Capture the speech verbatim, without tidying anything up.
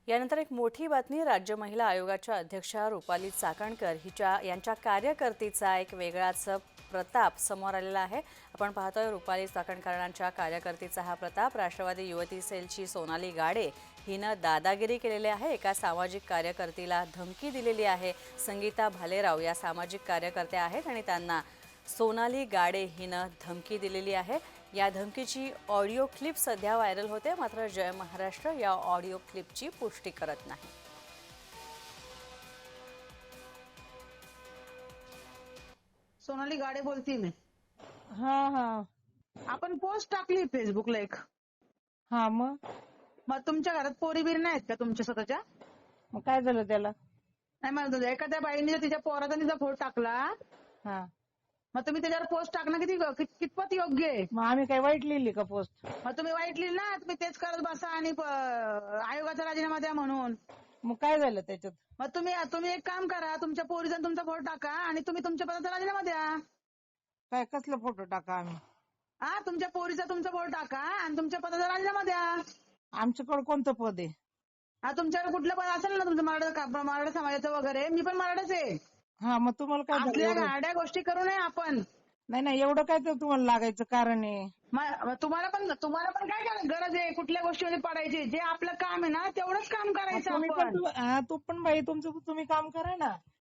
यानंतर एक मोठी बातमी राज्य महिला आयोगाच्या अध्यक्षा रुपाली चाकणकर हिच्या यांच्या कार्यकर्तीचा एक वेगळाच प्रताप समोर आलेला आहे। आपण पाहतोय रुपाली चाकणकरांच्या कार्यकर्तीचा हा प्रताप। राष्ट्रवादी युवती सेलची सोनाली गाडे हिनं दादागिरी केलेली आहे। एका सामाजिक कार्यकर्तीला धमकी दिलेली आहे। संगीता भालेराव या सामाजिक कार्यकर्त्या आहेत आणि त्यांना सोनाली गाडे हिनं धमकी दिलेली आहे। या धमकीची ऑडिओ क्लिप सध्या व्हायरल होते, मात्र जय महाराष्ट्र या ऑडिओ क्लिपची पुष्टी करत नाही। सोनाली गाडे बोलती मी। हा हा आपण पोस्ट टाकली फेसबुकला एक। हा मग मग तुमच्या घरात पोरी बिरी नाहीत का तुमच्या स्वतःच्या? मग काय झालं त्याला? नाही म्हणत होते, एखाद्या बाईने जर तिच्या पोराचा तिचा फोटो टाकला हा मग तुम्ही त्याच्यावर पोस्ट टाकणं किती कित- कितपत योग्य आहे? मग आम्ही काय वाईट लिहिली का पोस्ट? मग तुम्ही वाईट लिहिलं ना, तुम्ही तेच करत बसा आणि प- आयोगाचा राजीनामा द्या म्हणून। मग काय झालं त्याच्यात? मग तुम्ही तुम्ही एक काम करा, तुमच्या पोरीचा आणि तुमचा फोटो टाका आणि तुम्ही तुमच्या पदाचा राजीनामा द्या। काय कसला फोटो टाका आम्ही? हा, तुमच्या पोरीचा तुमचा फोटो टाका आणि तुमच्या पदाचा राजीनामा द्या। आमच्याकडे कोणतं पद आहे? हा, तुमच्याकडे कुठलं पद असेल ना तुमचं मराठा मराठा समाजाचं वगैरे, मी पण मराठाच आहे। हा मग तुम्हाला काय झालं आपल्या एवढं? गाड्या गोष्टी करू नये आपण। नाही नाही एवढं काय तर तुम्हाला लागायचं कारण आहे? म- मग तुम्हाला पण तुम्हाला पण काय काय गरज आहे कुठल्या गोष्टीमध्ये पडायची? जे आपलं काम आहे ना तेवढंच काम मग करायचं तुम्ही पण आपण। तू हा, तू पण बाई तुमचं तुम्ही काम करा ना।